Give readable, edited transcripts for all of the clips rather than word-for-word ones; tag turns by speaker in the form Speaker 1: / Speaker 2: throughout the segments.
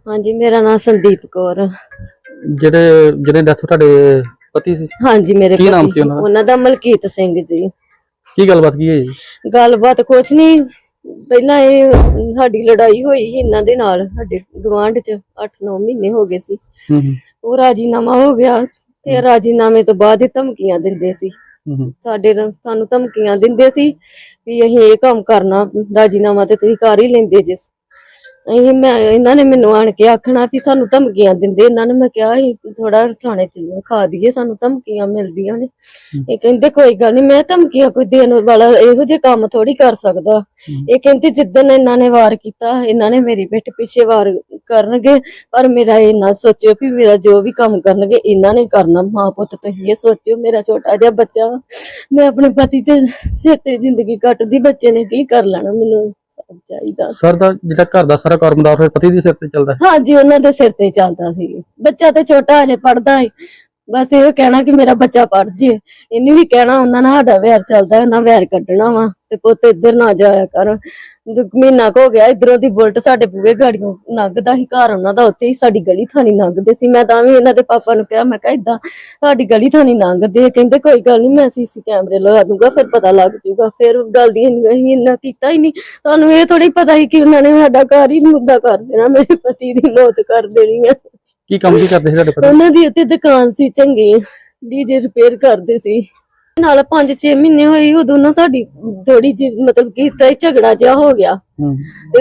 Speaker 1: हाँ जी, मेरा नाम संदीप कौर।
Speaker 2: ਜਿਹੜੇ ਜਿਹਨੇ ਡੈਥ ਤੁਹਾਡੇ ਪਤੀ ਸੀ
Speaker 1: हाँ जी, मेरे
Speaker 2: ਕੀ ਨਾਮ
Speaker 1: पति
Speaker 2: ਸੀ ਉਹਨਾਂ ਦਾ?
Speaker 1: उन्हां दा मलकीत सिंह जी।
Speaker 2: ਕੀ ਗੱਲਬਾਤ ਕੀ ਹੈ ਜੀ?
Speaker 1: गलबात कुछ नहीं, पहला ये साडी लड़ाई हुई ही इन्हां दे नाल साडे गवांढ च 8-9 महीने हो गए सी।
Speaker 2: ਹੂੰ
Speaker 1: वो राजीनामा हो गया, फिर राजीनामे तो बाद ही धमकियां दिंदे सी।
Speaker 2: ਹੂੰ
Speaker 1: सानू धमकियां दिंदे सी भी असीं ये काम करना, राजीनामा ते तुसीं कर ही लेंदे जे। ਇਹਨਾਂ ਨੇ ਮੈਨੂੰ ਆਣ ਕੇ ਆਖਣਾ ਵੀ ਸਾਨੂੰ ਧਮਕੀਆਂ ਦਿੰਦੇ। ਇਹਨਾਂ ਨੇ ਮੈਂ ਕਿਹਾ ਸੀ ਥੋੜਾ ਥਾਣੇ ਚ ਖਾ ਦਈਏ, ਸਾਨੂੰ ਧਮਕੀਆਂ ਮਿਲਦੀਆਂ ਨੇ। ਇਹ ਕਹਿੰਦੇ ਕੋਈ ਗੱਲ ਨਹੀਂ, ਮੈਂ ਧਮਕੀਆਂ ਕੋਈ ਦੇਣ ਵਾਲਾ ਇਹੋ ਜਿਹੇ ਕੰਮ ਥੋੜੀ ਕਰ ਸਕਦਾ। ਇਹ ਕਹਿੰਦੇ ਜਿੱਦਣ ਇਹਨਾਂ ਨੇ ਵਾਰ ਕੀਤਾ, ਇਹਨਾਂ ਨੇ ਮੇਰੀ ਪਿੱਠ ਪਿੱਛੇ ਵਾਰ ਕਰਨਗੇ, ਪਰ ਮੇਰਾ ਇਹ ਨਾ ਸੋਚਿਓ ਵੀ ਮੇਰਾ ਜੋ ਵੀ ਕੰਮ ਕਰਨਗੇ ਇਹਨਾਂ ਨੇ ਕਰਨਾ। ਮਾਂ ਪੁੱਤ ਤੁਸੀਂ ਇਹ ਸੋਚਿਓ, ਮੇਰਾ ਛੋਟਾ ਜਿਹਾ ਬੱਚਾ, ਮੈਂ ਆਪਣੇ ਪਤੀ ਤੇ ਸਿਰ ਤੇ ਜ਼ਿੰਦਗੀ ਕੱਟਦੀ, ਬੱਚੇ ਨੇ ਕੀ ਕਰ ਲੈਣਾ। ਮੈਨੂੰ ਚਾਹੀਦਾ
Speaker 2: ਸਰ ਦਾ ਜਿਹੜਾ ਘਰ ਦਾ ਸਾਰਾ ਕਾਰੋਬਾਰ ਫਿਰ ਪਤੀ ਦੇ ਸਿਰ ਤੇ ਚੱਲਦਾ?
Speaker 1: ਹਾਂਜੀ, ਉਹਨਾਂ ਦੇ ਸਿਰ ਤੇ ਚੱਲਦਾ ਸੀ। ਬੱਚਾ ਤੇ ਛੋਟਾ ਹਜੇ ਪੜਦਾ ਹੈ, ਬਸ ਇਹ ਕਹਿਣਾ ਕਿ ਮੇਰਾ ਬੱਚਾ ਪੜ ਜੇ। ਇਹਨੇ ਵੀ ਕਹਿਣਾ ਉਹਨਾਂ ਨਾਲ ਸਾਡਾ ਵੈਰ ਚੱਲਦਾ, ਨਾ ਵੈਰ ਕੱਢਣਾ ਵਾ ਤੇ ਪੁੱਤ ਇੱਧਰ ਨਾ ਜਾਇਆ ਕਰ। ਮਹੀਨਾ ਕੁ ਹੋ ਗਿਆ ਇਧਰੋਂ ਦੀ ਬੁਲਟ ਸਾਡੇ ਬੂਹੇ ਗਾੜੀਆਂ ਲੰਘਦਾ ਸੀ, ਘਰ ਉਹਨਾਂ ਦਾ ਉੱਥੇ ਹੀ, ਸਾਡੀ ਗਲੀ ਥਾਣੀ ਲੰਘਦੇ ਸੀ। ਮੈਂ ਤਾਂ ਵੀ ਇਹਨਾਂ ਦੇ ਪਾਪਾ ਨੂੰ ਕਿਹਾ, ਮੈਂ ਕਿਹਾ ਏਦਾਂ ਤੁਹਾਡੀ ਗਲੀ ਥਾਣੀ ਲੰਘਦੇ, ਕਹਿੰਦੇ ਕੋਈ ਗੱਲ ਨਹੀਂ, ਮੈਂ ਸੀਸੀ ਕੈਮਰੇ ਲਗਾ ਦੂੰਗਾ, ਫਿਰ ਪਤਾ ਲੱਗ ਜੂਗਾ। ਫਿਰ ਗੱਲ ਦੀ ਅਸੀਂ ਇੰਨਾ ਕੀਤਾ ਹੀ ਨਹੀਂ। ਤੁਹਾਨੂੰ ਇਹ ਥੋੜੀ ਪਤਾ ਸੀ ਕਿ ਉਹਨਾਂ ਨੇ ਸਾਡਾ ਘਰ ਹੀ ਮੁੱਦਾ ਕਰ ਦੇਣਾ, ਮੇਰੇ ਪਤੀ ਦੀ ਮੌਤ ਕਰ ਦੇਣੀ ਹੈ।
Speaker 2: ਕੀ ਕੰਮ ਕੀ ਕਰਦੇ ਸੀ ਤੁਹਾਡੇ ਪਤੀ?
Speaker 1: ਉਹਨਾਂ ਦੀ ਉੱਤੇ ਦੁਕਾਨ ਸੀ ਚੰਗੀ, ਡੀਜੇ ਰਿਪੇਅਰ ਕਰਦੇ ਸੀ। ਨਾਲ 5-6 ਮਹੀਨੇ ਹੋਏ, ਉਦੋਂ ਨਾ ਸਾਡੀ ਥੋੜੀ ਜਿਹੀ ਮਤਲਬ ਕਿ ਝਗੜਾ ਜਿਹਾ ਹੋ ਗਿਆ। ਤੇ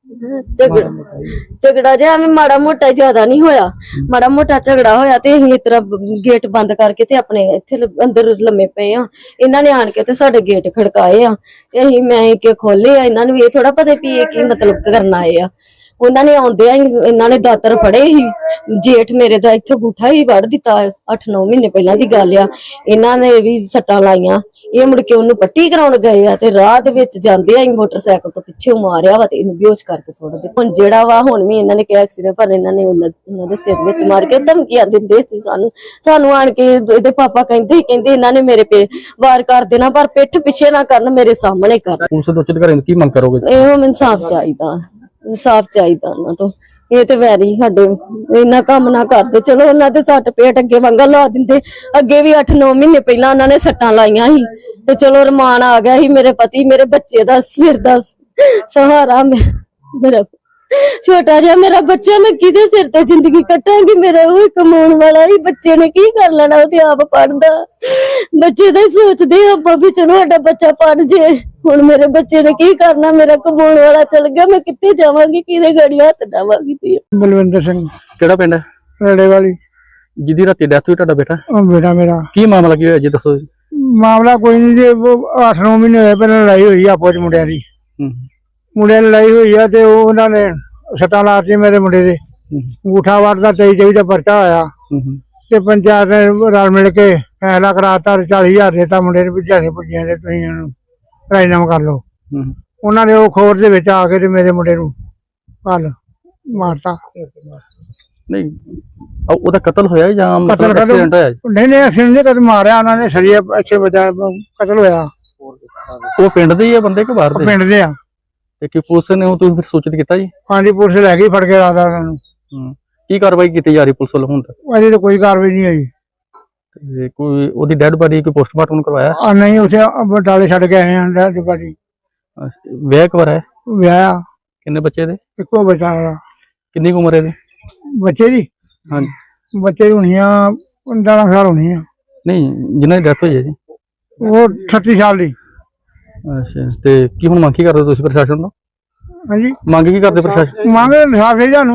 Speaker 1: ਝਗੜਾ ਜਿਹਾ ਐਵੇਂ ਮਾੜਾ ਮੋਟਾ ਜ਼ਿਆਦਾ ਨਹੀਂ ਹੋਇਆ, ਮਾੜਾ ਮੋਟਾ ਝਗੜਾ ਹੋਇਆ ਤੇ ਅਸੀਂ ਇਸ ਤਰ੍ਹਾਂ ਗੇਟ ਬੰਦ ਕਰਕੇ ਤੇ ਆਪਣੇ ਇੱਥੇ ਅੰਦਰ ਲੰਮੇ ਪਏ ਆ। ਇਹਨਾਂ ਨੇ ਆਣ ਕੇ ਤੇ ਸਾਡੇ ਗੇਟ ਖੜਕਾਏ ਆ ਤੇ ਮੈਂ ਕਿ ਖੋਲੇ ਆ। ਇਹਨਾਂ ਨੂੰ ਇਹ ਥੋੜਾ ਪਤਾ ਵੀ ਇਹ ਕੀ ਮਤਲਬ ਕਰਨ ਆਏ ਆ। ਉਹਨਾਂ ਨੇ ਆਉਂਦਿਆਂ ਹੀ ਇਹਨਾਂ ਨੇ ਦਾਤਰ ਫੜੇ ਸੀ। ਜੇਠ ਮੇਰੇ ਦਾ ਇੱਥੇ ਗੁੱਠਾ ਹੀ ਵੜ ਦਿੱਤਾ, 8-9 ਮਹੀਨੇ ਪਹਿਲਾਂ ਦੀ ਗੱਲ ਆ। ਇਹਨਾਂ ਨੇ ਵੀ ਸੱਟਾਂ ਲਾਈਆਂ। ਇਹ ਮੁੜ ਕੇ ਉਹਨੂੰ ਪੱਟੀ ਕਰਾਉਣ ਗਏ ਆ ਤੇ ਰਾਹ ਦੇ ਵਿੱਚ ਜਾਂਦੇ ਆ ਮੋਟਰਸਾਈਕਲ ਤੋਂ ਪਿੱਛੇ ਮਾਰਿਆ ਵਾ ਤੇ ਇਹਨੂੰ ਬੇਹੋਸ਼ ਕਰਕੇ ਸੁੱਟ ਦਿੱਤਾ। ਹੁਣ ਜਿਹੜਾ ਵਾ ਹੁਣ ਵੀ ਇਹਨਾਂ ਨੇ ਕਿਹਾ ਐਕਸੀਡੈਂਟ, ਪਰ ਇਹਨਾਂ ਨੇ ਉਹਨਾਂ ਦੇ ਸਿਰ ਵਿੱਚ ਮਾਰ ਕੇ ਧਮਕੀਆਂ ਦਿੰਦੇ ਸੀ ਸਾਨੂੰ ਆਣ ਕੇ। ਇਹਦੇ ਪਾਪਾ ਕਹਿੰਦੇ ਇਹਨਾਂ ਨੇ ਮੇਰੇ ਪੇ ਵਾਰ ਕਰ ਦੇਣਾ, ਪਰ ਪਿੱਠ ਪਿੱਛੇ ਨਾ ਕਰਨ, ਮੇਰੇ ਸਾਹਮਣੇ ਕਰਨ।
Speaker 2: ਪੁਲਿਸ ਤੋਂ ਉੱਚ ਅਧਿਕਾਰੀ ਕੀ ਮੰਗ ਕਰੋਗੇ?
Speaker 1: ਇਹੋ ਮੈਨੂੰ ਇਨਸਾਫ ਚਾਹੀਦਾ, ਇਨਸਾਫ ਚਾਹੀਦਾ ਉਹਨਾਂ ਤੋਂ। ਇਹ ਤੇ ਵੈਰੀ ਸਾਡੇ ਇੰਨਾ ਕੰਮ ਨਾ ਕਰਦੇ, ਚਲੋ ਉਹਨਾਂ ਦੇ ਸੱਟ ਪੇਟ ਅੱਗੇ ਵਾਂਗਾ ਲਾ ਦਿੰਦੇ। ਅੱਗੇ ਵੀ 8-9 ਮਹੀਨੇ ਪਹਿਲਾਂ ਉਹਨਾਂ ਨੇ ਸੱਟਾਂ ਲਾਈਆਂ ਸੀ ਤੇ ਚਲੋ ਰਮਾਨ ਆ ਗਿਆ ਸੀ। ਮੇਰੇ ਪਤੀ ਮੇਰੇ ਬੱਚੇ ਦਾ ਸਿਰ ਦਾ ਸਹਾਰਾ, ਮੇਰਾ ਛੋਟਾ ਜਿਹਾ ਮੇਰਾ ਬੱਚਾ, ਮੈਂ ਕਿਹਦੇ ਸਿਰ ਤੇ ਜ਼ਿੰਦਗੀ ਕੱਟਾਂਗੀ? ਮੇਰਾ ਉਹ ਕਮਾਉਣ ਵਾਲਾ ਹੀ, ਬੱਚੇ ਨੇ ਕੀ ਕਰ ਲੈਣਾ? ਉਹ ਤੇ ਆਪ ਪੜਦਾ, ਬੱਚੇ ਦਾ ਹੀ ਸੋਚਦੇ ਆਪਾਂ ਵੀ ਚਲੋ ਸਾਡਾ ਬੱਚਾ ਪੜ ਜੇ। ਹੁਣ ਮੇਰੇ ਬੱਚੇ ਨੇ ਕੀ ਕਰਨਾ? ਮੇਰਾ ਕਮਾਉਣ ਵਾਲਾ ਚਲ ਗਿਆ, ਮੈਂ ਕਿੱਥੇ ਜਾਵਾਂਗੀ? ਕਿਹਦੇ ਗਾੜੀ ਹੱਥ ਡਾਵਾਂਗੀ? ਤੇ
Speaker 3: ਬਲਵਿੰਦਰ ਸਿੰਘ।
Speaker 2: ਕਿਹੜਾ ਪਿੰਡ ਹੈ?
Speaker 3: ਰੜੇ ਵਾਲੀ।
Speaker 2: ਜਿਹਦੀ ਰਾਤੀ ਡੈਥ ਹੋਈ ਤੁਹਾਡਾ ਬੇਟਾ?
Speaker 3: ਉਹ ਬੇਟਾ ਮੇਰਾ।
Speaker 2: ਕੀ ਮਾਮਲਾ ਕੀ ਹੋਇਆ ਜੀ, ਦੱਸੋ ਜੀ।
Speaker 3: ਮਾਮਲਾ ਕੋਈ ਨਹੀਂ ਜੀ, 8-9 ਮਹੀਨੇ ਹੋਏ ਪਹਿਲਾਂ ਲੜਾਈ ਹੋਈ ਆਪੋ ਚ ਮੁੰਡਿਆਂ ਦੀ। ਮੁੰਡਿਆਂ ਦੀ ਲੜਾਈ ਹੋਈ ਆ ਤੇ ਉਹਨਾਂ ਨੇ ਸੱਟਾਂ ਲਾਤੀ ਮੇਰੇ ਮੁੰਡੇ ਦੇ। ਅੰਗੂਠਾ ਵਾਰ ਦਾ 23 ਦਾ ਪਰਚਾ ਹੋਇਆ ਤੇ ਪੰਚਾਇਤ ਨੇ ਰਲ ਮਿਲ ਕੇ ਫੈਸਲਾ ਕਰਾਤਾ, 40,000 ਦੇਤਾ ਮੁੰਡੇ ਨੂੰ, ਵੀ ਝਾੜੇ ਭੁੱਜੀਆਂ ਦੇ ਤੁਸੀਂ ਇਹਨੂੰ ਰਾਜੀਨਾਮਾ ਕਰ ਲਓ। ਉਹਨਾਂ ਨੇ ਉਹ ਖੋਰ ਦੇ ਵਿੱਚ ਆ ਕੇ ਤੇ ਮੇਰੇ ਮੁੰਡੇ ਨੂੰ ਕੱਲ ਮਾਰਤਾ।
Speaker 2: ਨਹੀਂ ਉਹਦਾ ਕਤਲ ਹੋਇਆ ਜਾਂ ਐਕਸੀਡੈਂਟ ਹੋਇਆ?
Speaker 3: ਨਹੀਂ ਐਕਸੀਡੈਂਟ ਨਹੀਂ, ਕਦੇ ਮਾਰਿਆ ਉਹਨਾਂ ਨੇ, ਸਰੀਏ ਅੱਛੇ ਬਚਾ ਕਤਲ ਹੋਇਆ।
Speaker 2: ਉਹ ਪਿੰਡ ਦੇ ਹੀ ਆ ਬੰਦੇ ਕਿ ਬਾਹਰ ਦੇ?
Speaker 3: ਪਿੰਡ ਦੇ ਆ।
Speaker 2: ਤੇ ਕੀ ਪੁਲਿਸ ਨੇ ਉਹ ਤੁਸੀਂ ਫਿਰ ਸੂਚਿਤ ਕੀਤਾ ਜੀ?
Speaker 3: ਹਾਂਜੀ, ਪੁਲਿਸ ਲੈ ਗਈ ਫੜ ਕੇ ਰਾਦਾ ਉਹਨਾਂ ਨੂੰ।
Speaker 2: ਕੀ ਕਾਰਵਾਈ ਕੀਤੀ ਜਾ ਰਹੀ ਪੁਲਿਸ ਵੱਲੋਂ ਹੁਣ ਤੱਕ?
Speaker 3: ਅਜੇ ਤਾਂ ਕੋਈ ਕਾਰਵਾਈ ਨਹੀਂ ਹੋਈ।
Speaker 2: ਤੇ ਕੋਈ ਉਹਦੀ ਡੈਡ ਬਾਡੀ ਕੋਈ ਪੋਸਟਮਾਰਟਮ ਕਰਵਾਇਆ?
Speaker 3: ਨਹੀਂ, ਉੱਥੇ ਬਟਾਲੇ ਛੱਡ ਕੇ ਆਏ ਆ ਡੈਡ ਬਾਡੀ।
Speaker 2: ਵਿਆਹ ਕਵਾਰ ਹੈ?
Speaker 3: ਵਿਆਹ।
Speaker 2: ਕਿੰਨੇ ਬੱਚੇ ਦੇ?
Speaker 3: ਇੱਕੋ ਬੱਚਾ ਹੈਗਾ।
Speaker 2: ਕਿੰਨੀ ਕੁ ਉਮਰ ਹੈ ਇਹਦੀ?
Speaker 3: ਬੱਚੇ ਦੀ?
Speaker 2: ਹਾਂਜੀ,
Speaker 3: ਬੱਚੇ ਦੀ ਹੋਣੀ ਆ 15 ਸਾਲ ਹੋਣੀ ਆ।
Speaker 2: ਨਹੀਂ ਜਿਨ੍ਹਾਂ ਦੀ ਡੈਥ ਹੋਈ ਹੈ ਜੀ?
Speaker 3: ਉਹ 38 ਸਾਲ ਦੀ।
Speaker 2: ਅੱਛਾ, ਤੇ ਕੀ ਹੁਣ ਮੰਗ ਕੀ ਕਰਦੇ ਤੁਸੀਂ ਪ੍ਰਸ਼ਾਸਨ ਤੋਂ?
Speaker 3: ਹਾਂਜੀ,
Speaker 2: ਮੰਗ ਕੀ ਕਰਦੇ ਪ੍ਰਸ਼ਾਸਨ?
Speaker 3: ਮੰਗ ਇਨਸਾਫ ਹੈ ਸਾਨੂੰ।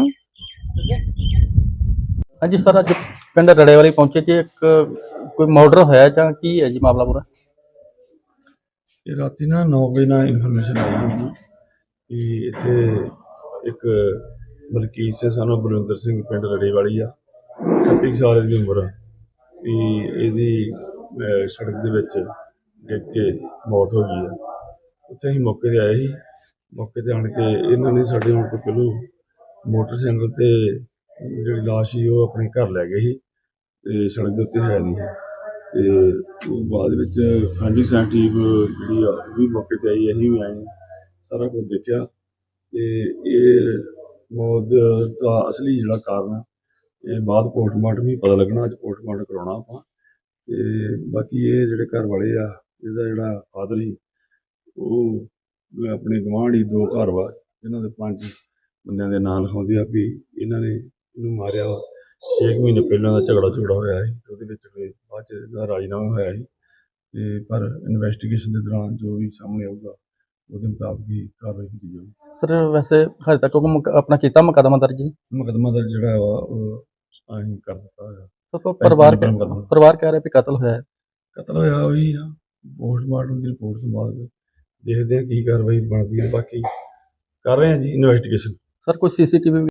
Speaker 2: ਹਾਂਜੀ ਸਰ, ਅੱਜ ਪਿੰਡ ਰੜੇ ਵਾਲੀ ਪਹੁੰਚੇ ਜੀ, ਇੱਕ ਕੋਈ ਮਰਡਰ ਹੋਇਆ ਜਾਂ ਕੀ ਹੈ ਜੀ ਮਾਮਲਾ ਪੂਰਾ?
Speaker 4: ਇਹ ਰਾਤੀ ਨਾ 9 ਵਜੇ ਨਾਲ ਇਨਫੋਰਮੇਸ਼ਨ ਆਈ ਸੀ ਕਿ ਇੱਥੇ ਇੱਕ ਮਲਕੀਤ ਸਿੰਘ ਸਾਨੂੰ ਬਲਵਿੰਦਰ ਸਿੰਘ ਪਿੰਡ ਰੜੇ ਵਾਲੀ ਆ, 38 ਸਾਲ ਦੀ ਉਮਰ ਆ, ਵੀ ਇਹਦੀ ਸੜਕ ਦੇ ਵਿੱਚ ਡਿੱਗ ਕੇ ਮੌਤ ਹੋ ਗਈ ਆ। ਉੱਥੇ ਅਸੀਂ ਮੌਕੇ 'ਤੇ ਆਏ ਸੀ। ਮੌਕੇ 'ਤੇ ਆਣ ਕੇ ਇਹਨਾਂ ਨੇ ਸਾਡੇ ਹੁਣ ਤੋਂ ਪਹਿਲੋਂ ਮੋਟਰਸਾਈਕਲ 'ਤੇ ਜਿਹੜੀ ਲਾਸ਼ ਸੀ ਉਹ ਆਪਣੇ ਘਰ ਲੈ ਗਏ ਸੀ ਤੇ ਸੜਕ ਦੇ ਉੱਤੇ ਹੈ ਨਹੀਂ ਸੀ। ਤੇ ਬਾਅਦ ਵਿੱਚ ਫੈਂਡੀ ਸੈਂਟੀਵ ਜਿਹੜੀ ਆ ਉਹ ਵੀ ਮੌਕੇ 'ਤੇ ਆਈ, ਅਸੀਂ ਵੀ ਆਏ, ਸਾਰਾ ਕੁਝ ਦੇਖਿਆ ਤੇ ਇਹ ਮੌਤ ਦਾ ਅਸਲੀ ਜਿਹੜਾ ਕਾਰਨ ਆ, ਇਹ ਬਾਅਦ ਪੋਸਟਮਾਰਟਮ ਹੀ ਪਤਾ ਲੱਗਣਾ। ਅੱਜ ਪੋਸਟਮਾਰਟਮ ਕਰਾਉਣਾ ਆਪਾਂ। ਤੇ ਬਾਕੀ ਇਹ ਜਿਹੜੇ ਘਰ ਵਾਲੇ ਆ, ਇਹਦਾ ਜਿਹੜਾ ਫਾਦਰ ਸੀ ਉਹ ਆਪਣੇ ਗੁਆਂਢ ਹੀ 2 ਘਰ ਵਾ ਇਹਨਾਂ ਦੇ 5 ਬੰਦਿਆਂ ਦੇ ਨਾਂ ਲਿਖਾਉਂਦੇ ਆ ਵੀ ਇਹਨਾਂ ਨੇ ਇਹਨੂੰ ਮਾਰਿਆ ਵਾ। 6 ਮਹੀਨੇ ਪਹਿਲਾਂ ਦਾ ਝਗੜਾ ਹੋਇਆ ਸੀ ਤੇ ਉਹਦੇ ਵਿੱਚ ਫਿਰ ਬਾਅਦ 'ਚ ਇਹਦਾ ਰਾਜੀਨਾਮਾ ਹੋਇਆ ਸੀ। ਤੇ ਪਰ ਇਨਵੈਸਟੀਗੇਸ਼ਨ ਦੇ ਦੌਰਾਨ ਜੋ ਵੀ ਸਾਹਮਣੇ ਆਊਗਾ ਉਹਦੇ ਮੁਤਾਬਕ ਹੀ ਕਾਰਵਾਈ ਕੀਤੀ ਜਾਊਗੀ।
Speaker 2: ਸਰ ਵੈਸੇ ਹਜੇ ਤੱਕ ਕੋਈ ਆਪਣਾ ਕੀਤਾ ਮੁਕੱਦਮਾ ਦਰਜ ਜੀ?
Speaker 4: ਮੁਕੱਦਮਾ ਦਰਜ ਜਿਹੜਾ ਵਾ ਉਹ ਅਸੀਂ ਕਰ ਦਿੱਤਾ ਹੋਇਆ।
Speaker 2: ਸਰ ਪਰਿਵਾਰ ਕਹਿ ਰਿਹਾ ਵੀ ਕਤਲ ਹੋਇਆ ਹੈ।
Speaker 4: ਕਤਲ ਹੋਇਆ ਉਹੀ ਆ। ਪੋਸਟਮਾਰਟਮ ਦੀ ਰਿਪੋਰਟ ਤੋਂ ਬਾਅਦ ਦੇਖਦੇ ਆ ਕੀ ਕਾਰਵਾਈ ਬਣਦੀ ਹੈ। ਬਾਕੀ ਕਰ ਰਹੇ ਹਾਂ ਜੀ ਇਨਵੈਸਟੀਗੇਸ਼ਨ।
Speaker 2: ਸਰ ਕੋਈ ਸੀਸੀਟੀਵੀ